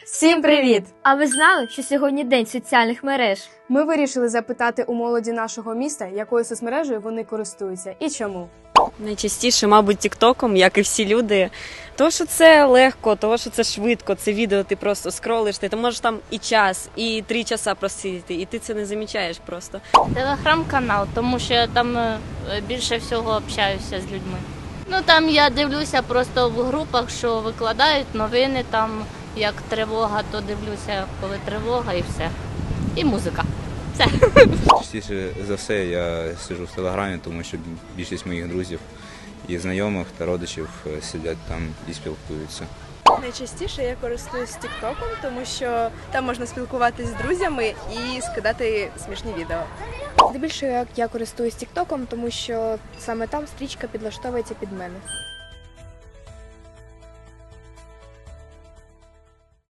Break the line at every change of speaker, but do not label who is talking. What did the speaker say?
Всім привіт!
А ви знали, що сьогодні день соціальних мереж?
Ми вирішили запитати у молоді нашого міста, якою соцмережею вони користуються і чому.
Найчастіше, мабуть, тіктоком, як і всі люди. Тому що це легко, тому що це швидко, це відео ти просто скролиш, ти можеш там і час, і 3 часа просидіти, і ти це не замічаєш просто.
Телеграм-канал, тому що я там більше всього общаюся з людьми. Ну там я дивлюся просто в групах, що викладають новини, там як тривога, то дивлюся, коли тривога і все. І музика. Все.
Частіше за все я сиджу в Телеграмі, тому що більшість моїх друзів і знайомих та родичів сидять там і спілкуються.
Найчастіше я користуюсь тіктоком, тому що там можна спілкуватися з друзями і скидати смішні відео.
Здебільшого я користуюсь тіктоком, тому що саме там стрічка підлаштовується під мене.